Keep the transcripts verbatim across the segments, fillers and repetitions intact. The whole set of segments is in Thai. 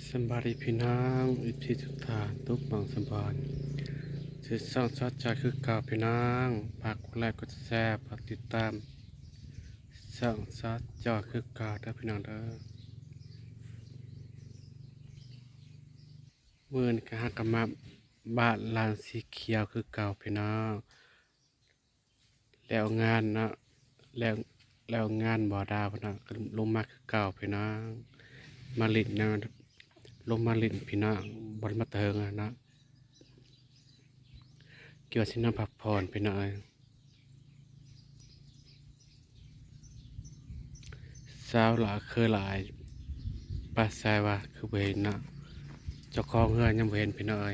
สบายดีพี่น้องอิทธิทุกทานทุกบางสบายสิสร้างสดใจคือเก่าพี่น้องฝากกดไลค์กดแชร์ฝากติดตามสร้างสดใจคือเก่าเด้อพี่น้องเด้อมื่อนกะฮักกะมาบ้านลานสีเขียวคือเก่าพี่น้องแล้วงานเนาะแล้วแล้วงานบ่อดาวพี่น้องก็ลงมาคือเก่าพี่น้องมาลินนะลงมาลินพี่น้องบนมาเทิงอะนะเกี่ยวสิน้ำพักผ่อนพี่น้องสาวหลาเคยหลายป้าแซว่าคือเห็นนะเจ้าของเฮือนยังบ่เห็นพี่น้อง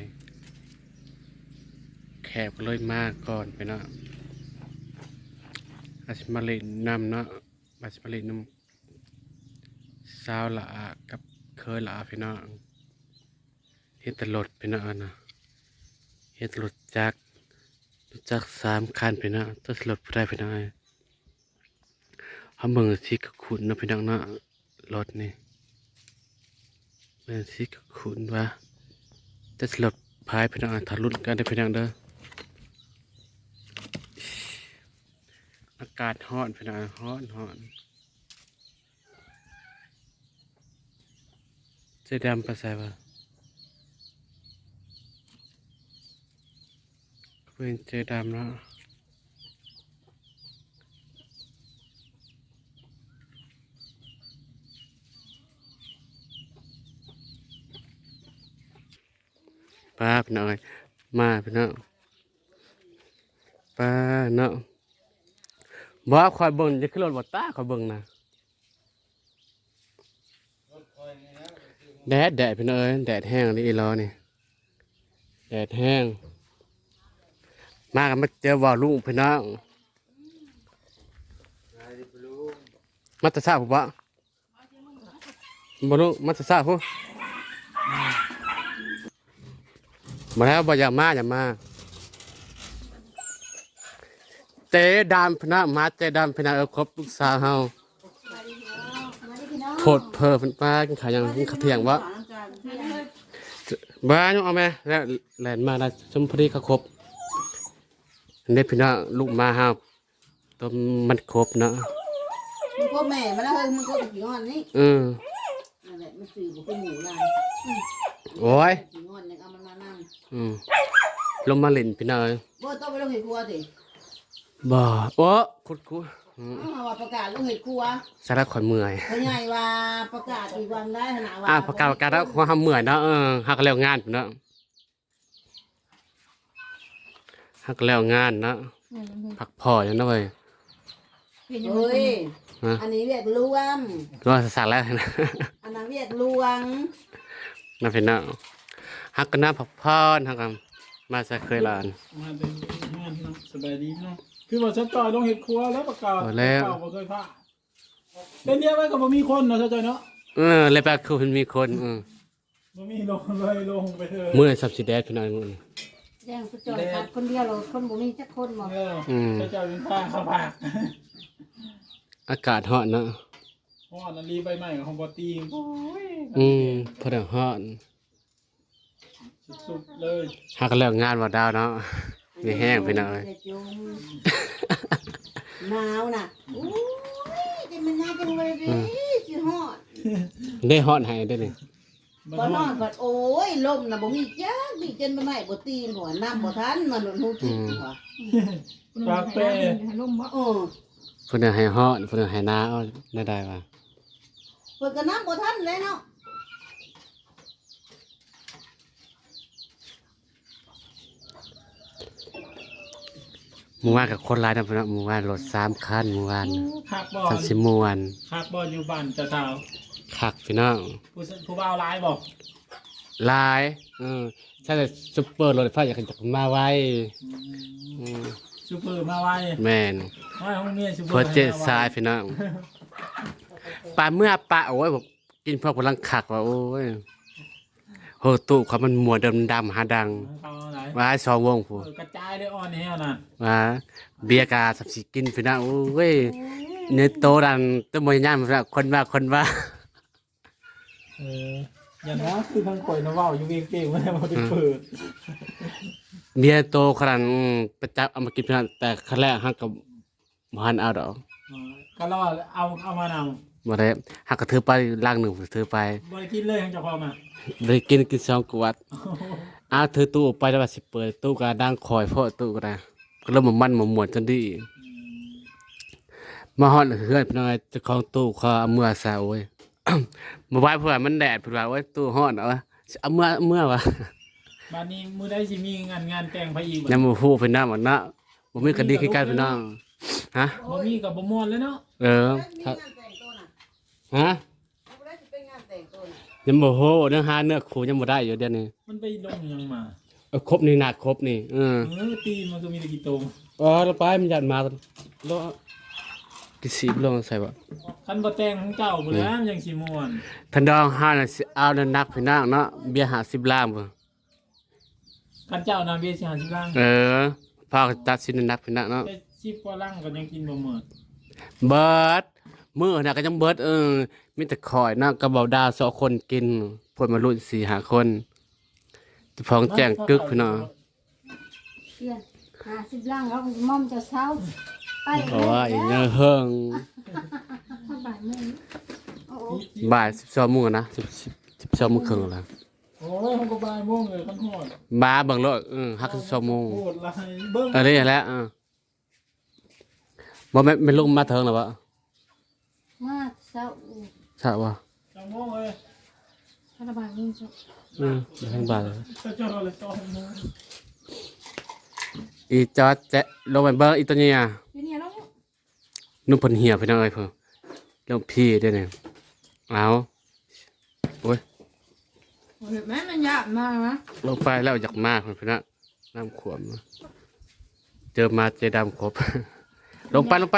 แขกก็เลยมาก่อนพี่น้องอาชิมาลินนำเนาะอาชิมาลินนำสาวหลากับเคยหลาพี่น้องเฮ็ดตลดพี่น้องนะเฮ็ดตลดจักจักสามคันพี่น้องตลดผู้ใดพี่น้องเขาเมืองสีกขุนนะพี่น้องเนาะรถนี่เป็นสีกขุนวะจะสลดพายพี่น้องทะลุกันได้พี่น้องเด้ออากาศร้อนพี่น้องร้อนร้อนเจดำไปใส่ปะเป็นเจดำเนาะป้าพี่น้องมาพี่น้องป้าเนาะบ่คอยเบิ่งจะขึ้นรถบ่ตาคอยเบิ่งนะแดดแดดพี่น้องเอ้ยแดดแห้งนี่อีล้อนี่แดดแห้งมากันมาเจอว่าลุงพี่น้องมาตะซาผู้บ่บ่ลุงมาตะซาผู้มาแล้วบ่อย่ามาอย่ามาเจดามพี่น้องมาเจดามพี่น้องเออครบลูกสาวเฮาโพดเพอเพิ่นป้ากินข้าวยังกินข้าวเที่ยงบ่บ้านเอาแม่แล้วแล่นมาได้สมพอดีเขาครบเด็กพี่น้องลูกมาห้าต้มมันครบเนาะมันก็แม่มันแล้วเฮ้ยมันก็กี่งอนนี่อืมนั่นแหละมันสื่อบอกเป็นหมูลายโอ้ยกี่งอนยังเอามันมานั่งอืมลงมาเล่นพี่น้องบ่ต้องไปลงเห็ดครัวสิบ่โอ้คุดคุเอาว่าประกาศลงเห็ดครัวสาระข่อยเมื่อยเพราะไงว่าประกาศอีกวันได้ขนาดว่าอ่าประกาศประกาศแล้วความเมื่อยเนาะเออฮักแล้วงานพี่น้องฮักแล้วงานเนาะพักผ่อนอย่างนั้นเว้ยเฮ้ยอันนี้เวียดรวมรวมสักแล้วนะอันนั้นเวียดรวงน่าเป็นเนาะฮักกันน้าพักผ่อนฮักกันมาจะเคยลานมาเป็นงานเนาะสบายดีเนาะคือว่าชัดจอยลงเห็ดครัวแล้วประกาศแล้วบ่เคยพลาดเป็นเนี้ยไว้ก็บ่มีคนเนาะชัดจอยเนาะเออเลยแปลคือมันมีคนอืมบ่มีลงเลยลงไปเถอะเมื่อสับสีแดงพี่น้องมื้อแย่งชัดจอยขาดคนเดียวเลยคนบ่มีจักคนบ่อืมชัดจอยเป็นผ้าข้าวผักอากาศร้อนเนาะฮ้อนอันนี้ใบไม้ของบ่ตีโอ้ยอืมพอได้ร้อนสุดๆเลยฮักแล้วงานว่าดาวเนาะมีแห้งพี่น้องหนาวน่ะโอ้ยจะมันน่าจังเลยดิสิฮอดได้ฮอดให้ได้นี่บ่นอนก็โอ้ยลมน่ะบ่มีจักมีจนบ่ไหม้บ่ตีนหัวน้ำบ่ทันมันหนูกินหัวปากเป้ลมบ่เออเพิ่นให้ฮอดเพิ่นให้นาเอาได้ได้ว่าเพิ่นก็น้ำบ่ทันเลยเนาะเมื่อวานกับคนร้ายนะพี่น้องเมื่อวานรถสามคันเมื่อวานคักบ่ทันสิม่วนคักบ่อยู่บ้านเจ้าสาวคักพี่น้องผู้ผู้บ่าวหลายบ่หลายเออใช่แต่ซุปเปอร์รถไฟอยากจะมาไว้อืมซุปเปอร์มาไว้แม่นว่าห้องเมียซุปเปอร์เพิ่นเจ็ดสายพี่น้องปลาเมื่อปลาโอ้ยบอกกินพวกพลังคักว่าโอ้ยโหตู้เขามันมัวดำๆหาดังว่าสองวงผู้กระจายได้อ่อนแฮวน่ะว่าเบียร์กาสับสิกินพี่น้องโอ้ยเนื้อโตดันต้นมวยย่างพี่น้องคนว่าคนว่าเอออย่านะคือทางข่อยนะเว้าอยู่เก่งๆบ่ได้บ่ได้เปิดเมียโตขนาดอืมไปจับเอามากินเพิ่นแต่ครั้งแรกฮักกับบ่ทันเอาดอกอ๋อก็เราเอาเอามานำบ่ได้ฮักก็ถือไปล่างหนึงถือไปบ่ได้กินเลยทางเจ้าของอ่ะได้กินกินสองกวดอ้าวถือตู้ออกไปแล้วว่าสิเปิดตู้ก็ดังคอยเพราะตู้ก็ได้ก็เริ่มมันมันม่วนจนดีมาฮอดเฮือนพี่น้อยเจ้าของตู้เขาเอาเมื่อซะโอ้ย บ่ไหวเพิ่นว่ามันแดดเพิ่นว่าโอ้ยตู้ร้อนเอาวะสิเอาเมื่อเมื่อวะบัดนี้มื้อใดสิมีงานงานแต่งไปอีกบ่ยังบ่ฮู้เพิ่นนำว่าเนาะบ่มีก็ดีคือกันพี่น้องฮะบ่มีก็บ่ม่วนเลยเนาะเออมีครับงานแต่งตัวน่ะฮะเอาบ่ได้สิเป็นงานแต่งตัวน่ะยังบ่ฮู้เรื่องหาเนื้อคู่ยังบ่ได้อยู่เดี๋ยวนี้มันไปลงหยังมาเออครบนี่หนักครบนี่เออเออตีนมันก็มีแต่กี่ตรงอ๋อแล้วไปมันยัดมาโลกี่สิบโลใส่บ่คันบ่แต่งของเจ้าบ่แล้วมันยังสิม่วนทันดองห้าน่ะสิเอาน้ำหนักพี่น้องเนาะเบียร์ห้าสิบล้านบ่คันเจ้านาเบียร์สิหาสิบลังเออพอตัดสินน้ำหนักพี่น้องเนาะแต่สิบกว่าลังก็ยังกินบ่หมดเบิดมื้อน่ะก็ยังเบิดเออมีแต่ข่อยนะกับเบาดาวสองคนกินพวกมารุ่นสี่ห้าคนเจ้าของแจ้งกึกพี่น้องเพื่อนหาสิบลังแล้วมอมจะเช้าไปเพราะว่าอีเนื้อเฮิงถ้าบ่ายโมงโอ้โหบ่ายสิบสองโมงนะสิบสิบสองโมงครึ่งแล้วโอ้ยมันก็บ่ายโมงเลยคันฮอดมาเบิ่งรถเออฮักสิบสองโมงโคตรหลายเบิ่งเออได้แล้วเออบ่แม่นแม่นลงมาเถิงแล้วบ่มาเช้าใช่บ่จังโมงเลยถ้าบ่ายโมงจะอืมทางบ้านเลยถ้าเจ้าเลยสองโมงอีจอดแจะลงไปเบิ่งอีตัวเนี้อ่ะอยู่เนี่ยแล้วนุ่มเพิ่นเหี่ยวพี่น้องเอ้ยเพิ่นเรื่องพี่เด้อเนี่ยเอาโอ้ยเห็นไหมมันยากมากนะลงไปแล้วอยากมากเพิ่นพี่น้องน้ำขวมเจอมาเจดำครบ ลงไปลงไป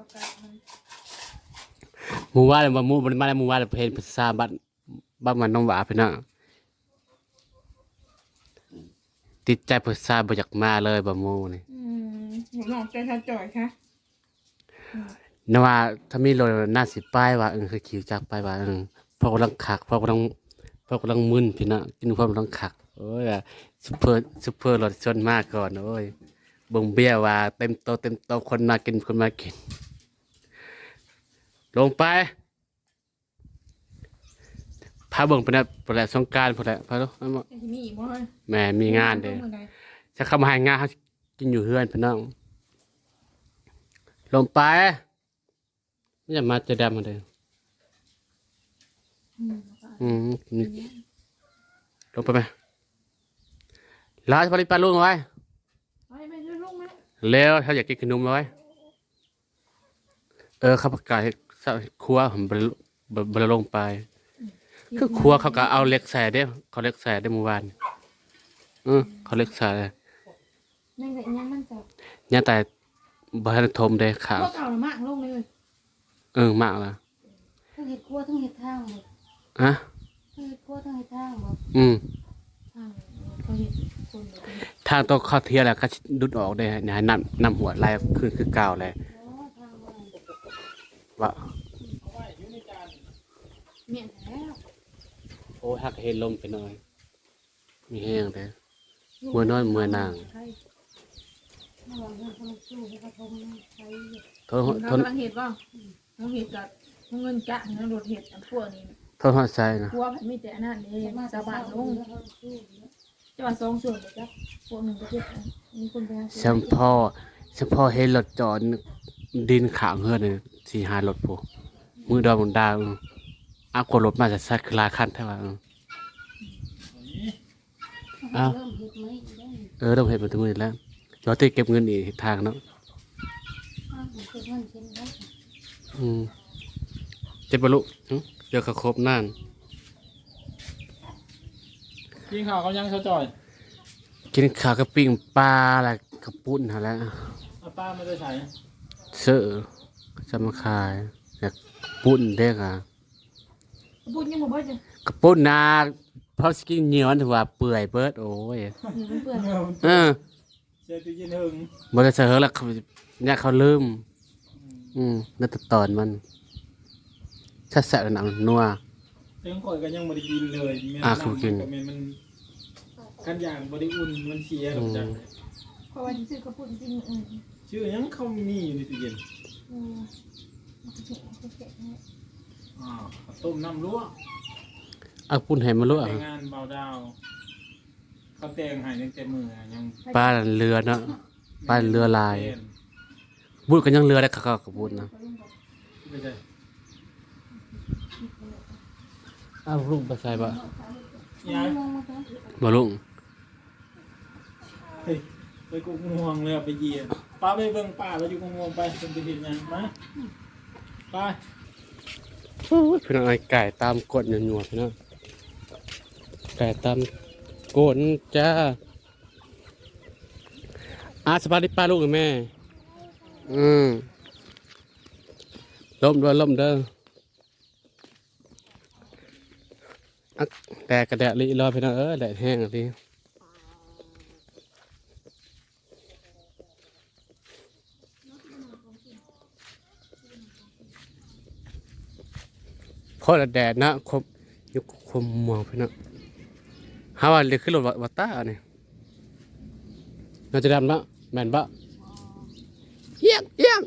หมู่ว่าเลยว่าหมู่บ่ได้มาแล้วหมู่ว่าเลยเห็นภาษาบ้านบ้านมันน้องหวาพี่น้องติดใจภาษาบ่อยากมาเลยบ่หมู่นี่อืมหนูลองเป็นทัจ่อยค่ะนว่าถ้ามีรถน่าสิป้ายว่าเออคือขี่จักรไปว่าเออพวกกำลังคักพวกกำลังพวกกำลังมึนพี่น้องกินพวกกำลังคักโอ้ยอะซุปเปอร์ซุปเปอร์รถชนมากก่อนโอ้ยบ่งเบี้ยว่าเต็มโตะเต็มโตะคนมากินคนมากิน ลงไปพาเบิ่งไปนะไปแหละสงกรานต์พุ่นแหละพาลูกเอามาจะมีอีกบ่เฮ้ยแหม่มีงานเด้จะเข้ามาให้งานเขากินอยู่เฮือนพี่น้องลงไปไม่อยากมาเจะดำมาเลยอืมอืมนี่ลงไปไหมลาสปาริปลาลุงเอาไว้ไปไปด้วยลูกไหมเร็วถ้าอยากกินขนมเอาไว้เออข้าวผัดไก่ครัวผมบรบรลงไปคือครัวเขาก็เอาเหล็กใส่เด้เขาเหล็กใส่ได้เมื่อวานเออเขาเหล็กใส่นั่งแต่ยังมันจะเนี่ยแต่บ้านทมเด้ขาวพวกเก่าละมากลงเลยเออมากละทั้งเห็ดคั่วทั้งเห็ดทางหมดฮะทั้งเห็ดคั่วทั้งเห็ดทางหมดอืมทางเขาเห็ดคนเดียวกันทางตัวข้าวเทียแหละก็ดุดออกได้เนี่ยให้น้ำน้ำหัวไหลขึ้นคือเก่าเลยโอ้ทางมันว่าเมียนแล้วโอ้หักเห็นลมไปหน่อย มีแห้งเลยเมื่อนอนเมื่อนางระหว่างเงินเขาสู้เขาทงใช้ทนเขาทนกำลังเห็ดป่ะเขาเห็ดกับเงินกะเงินรถเห็ดอันพวกนี้ทนหัวใจนะพวกมันมีแต่อันนั้นเองสาบานลงจะว่าสองส่วนเลยจ้ะพวกหนึ่งประเทศอันมีคนไปหาเฉพาะเฉพาะเห็นรถจอดดินขางเฮือนเลยสี่ห้ารถพวกมือดอมดาวเอากดรถมาจะซัดคลาคันเท่าไหร่เริ่มเห็ดไหมได้เออต้องเห็นมาถึงมือแล้วจอดที่เก็บเงินอีกทางเนาะอ้าวเห็ดมันเช่นได้อืมเจ็บบรรลุหึเจอขะครบน่านกินข้าวเขายังเช้าจ่อยกินข้าวกับปิ้งปลาอะไรกระปุ้นหาแล้วเอาป้าไม่ได้ใส่เสือจะมาขายอยากปุ้นเด็กอ่ะพูดยังบอกว่าจะกระปุ้นนาเพราะสกินเหนียวถือว่าเปื่อยเบิดโอ้ยเห็ดมันเปื่อยเออเออเสียตู้เย็นหึงบริษัทแล้วเขาเนี่ยเขาลืมอืมนั่นตตอนมันชัดแสบหนังนัวแต่ของข่อยก็ยังบ่ได้กินเลยแม่อ่ะน้ำคือกินก็แม่นมันกันอย่างบ่ได้อุ่นมันเสียหรอกจังเพราะว่าที่ซื้อกระปุกจริงอืมชื่อหยังเขามีอยู่ในตู้เย็นอืมมันจะเก็บมันจะเก็บเนี่ยอ่าข้าวต้มน้ำลวกเอาปุ่นให้มาลวกแต่งงานเบาดาวเขาแต่งให้ตั้งแต่มื้อยังปลาเรือเนาะปลาเรือลายบุญกันยังเรือได้คักๆกับบุญนะไม่ใช่อ้าวลุงไปใส่บ่ยายบ่ลุงเฮ้ยไปกุกงวงเลยอะไปเหยียบป้าไปเบิ่งป้าไปอยู่กุกงวงไปเป็นไปเห็นหยังมาไปโอ้ยพี่น้องไอ้ไก่ตามกดหนัวๆพี่น้องไก่ตามกดจ้าอาสบายดีป้าลูกกับแม่อืมล่มด้วยล่มเด้ออักแดดกระแดดลิรอพี่น้องเออแดดแห้งอ่ะพี่เพราะแดดนะคมยุคคมมัวพี่น้องหาว่าเรียกขึ้นรถวัตตาเนี่ยน่าจะดำละแม่นบะเอียงเอียง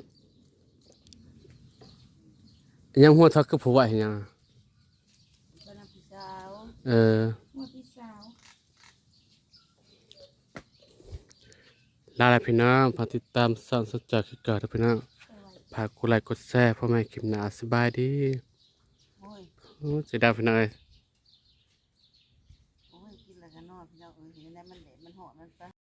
ยังหัวทักคือผัวเห็นยังบ้านพี่สาวเออหมดพี่สาวลาลาพี่น้องฝากติดตามส่องสดจากคือเกิดนะพี่น้องฝากกดไลค์กดแชร์พ่อแม่คลิปหน้าสบายดีโอ้ยโอ้เสียดายพี่น้องเอ้ย